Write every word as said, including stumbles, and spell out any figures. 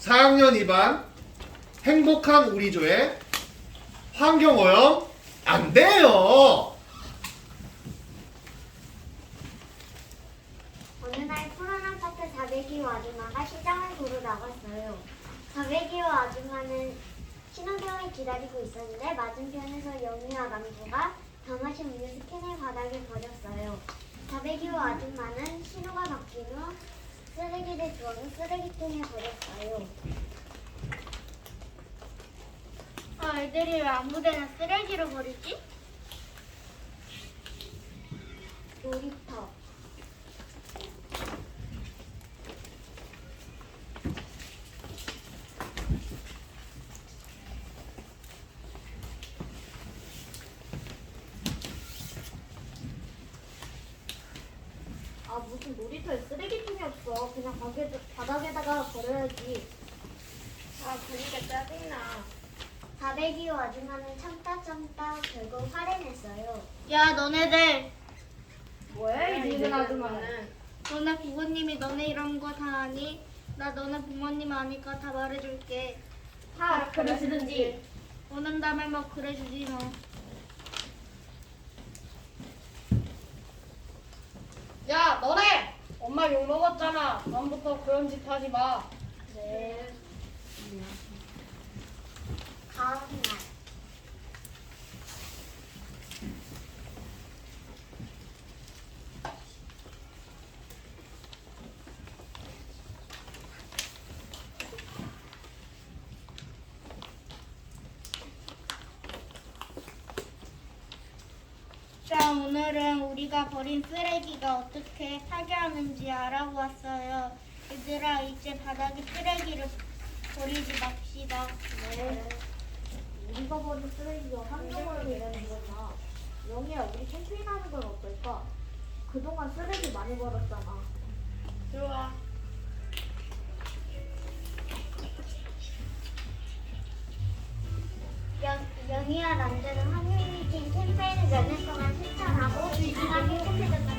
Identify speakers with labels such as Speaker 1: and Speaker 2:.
Speaker 1: 사 학년 이 반 행복한 우리조의 환경오염 안 돼요.
Speaker 2: 어느 날 푸른 아파트 사백이 호 아줌마가 시장을 보러 나갔어요. 사백이 호 아줌마는 신호등을 기다리고 있었는데 맞은편에서 영희와 남주가 다 마신 음료수 캔을 바닥에 버렸어요. 사백이 호 아줌마는 신호가 바뀐 후 쓰레기를 주워서 쓰레기통에 버렸어요.
Speaker 3: 아, 애들이 왜 아무데나 쓰레기를 버리지?
Speaker 2: 놀이터.
Speaker 3: 아, 무슨 놀이터에 쓰레기통이 없어. 그냥 바닥에, 바닥에다가 버려야지. 아, 그러니까 짜증나.
Speaker 2: 사백이 호 아줌마는 참다 참다 결국 화를 냈어요.
Speaker 3: 야, 너네들.
Speaker 4: 뭐야 이 늙은 아줌마는.
Speaker 3: 너네 부모님이 너네 이런 거 다 아니? 나 너네 부모님 아니까 다 말해줄게.
Speaker 4: 다 그러시든지.
Speaker 3: 원한다면 뭐 그래주지 뭐.
Speaker 4: 야 너네 엄마 욕 먹었잖아. 다음부터 그런 짓 하지 마.
Speaker 3: 네.
Speaker 2: 다음 날.
Speaker 3: 자, 오늘은 우리가 버린 쓰레기가 어떻게 파괴하는지 알아보았어요. 얘들아, 이제 바닥에 쓰레기를 버리지 맙시다.
Speaker 2: 네.
Speaker 4: 우리가 버린 쓰레기가 환경을 위해는 거잖아. 영희야 우리 캠페인 하는 건 어떨까? 그동안 쓰레기 많이 버렸잖아.
Speaker 3: 좋아.
Speaker 2: 영, 영희와 남자는 환경위기 캠페인을 몇 년 동안 실천하고 사람이 행복해졌다.